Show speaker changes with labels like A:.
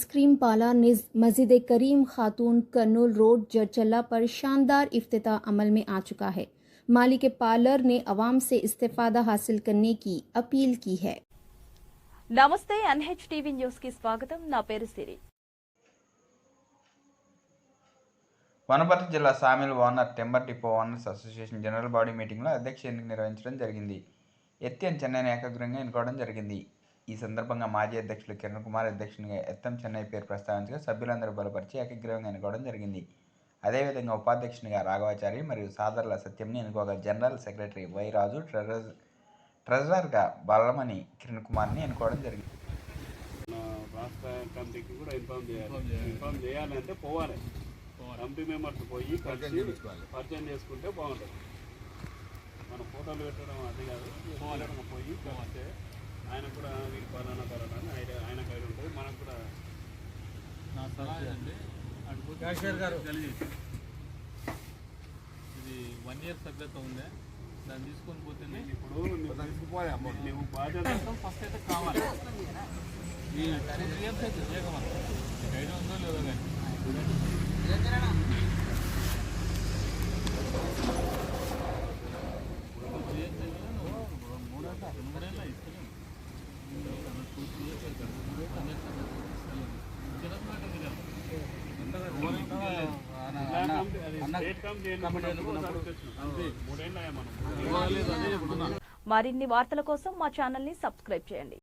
A: Ice cream पाला मस्जिद करीम खातून कर्नूल रोड जरचल्ला पर शानदार इफ्तिताह अमल में आ चुका है। मालिक पार्लर ने अवाम से इस्तेफादा हासिल करने की अपील की है।
B: నమస్తే ఎన్హెచ్ టీవీ న్యూస్ కి స్వాగతం। నా పేరు సిరి।
C: వనపర్తి జిల్లా sawmill owner timber depot owners association general body మీటింగ్లో అధ్యక్ష ఎన్నిక నిర్వహించడం జరిగింది। ఎత్తిఎన్ చెన్నైని ఏకగ్రీవంగా ఎన్నుకోవడం జరిగింది। ఈ సందర్భంగా మాజీ అధ్యక్షులు కిరణ్ కుమార్ అధ్యక్షునిగా ఎత్తం చెన్నై పేరు ప్రస్తావించగా సభ్యులందరూ బలపరిచి ఏకగ్రీవంగా ఎన్నుకోవడం జరిగింది। అదేవిధంగా ఉపాధ్యక్షునిగా రాఘవాచారి మరియు సాదర్ల సత్యంని ఎన్నుకోగా జనరల్ సెక్రటరీ వై రాజు, ట్రెజరర్గా బల్లమని కిరణ్ కుమార్ని ఎన్నుకోవడం జరిగింది।
D: రాష్ట్ర కమిటీకి కూడా ఇన్ఫార్మ్ చేయాలంటే పోవాలి, కమిటీ మెంబర్స్ పోయి పరిచయం చేసుకుంటే బాగుంటుంది। మనం ఫోటోలు పెట్టడం అది కాదు, పోయి కలిస్తే ఆయన కూడా వీళ్ళు పలానా అని ఆయన కైలు ఉంటుంది। మనకు కూడా
E: నా సలహా అండి క్యాషియర్ గారు ఇది 1 year సభ్యత ఉంది, దాన్ని తీసుకొని పోతే
D: ఇప్పుడు నువ్వు బాధ్యత
E: ఫస్ట్ అయితే కావాలి। ఈ 2 years అయితే చేయగలం, ఐడియా ఉందో లేదో కానీ మూడేళ్ళ ఇస్తున్నాం
B: మరిన్ని వార్తల కోసం మా ఛానల్ ని సబ్స్క్రైబ్ చేయండి।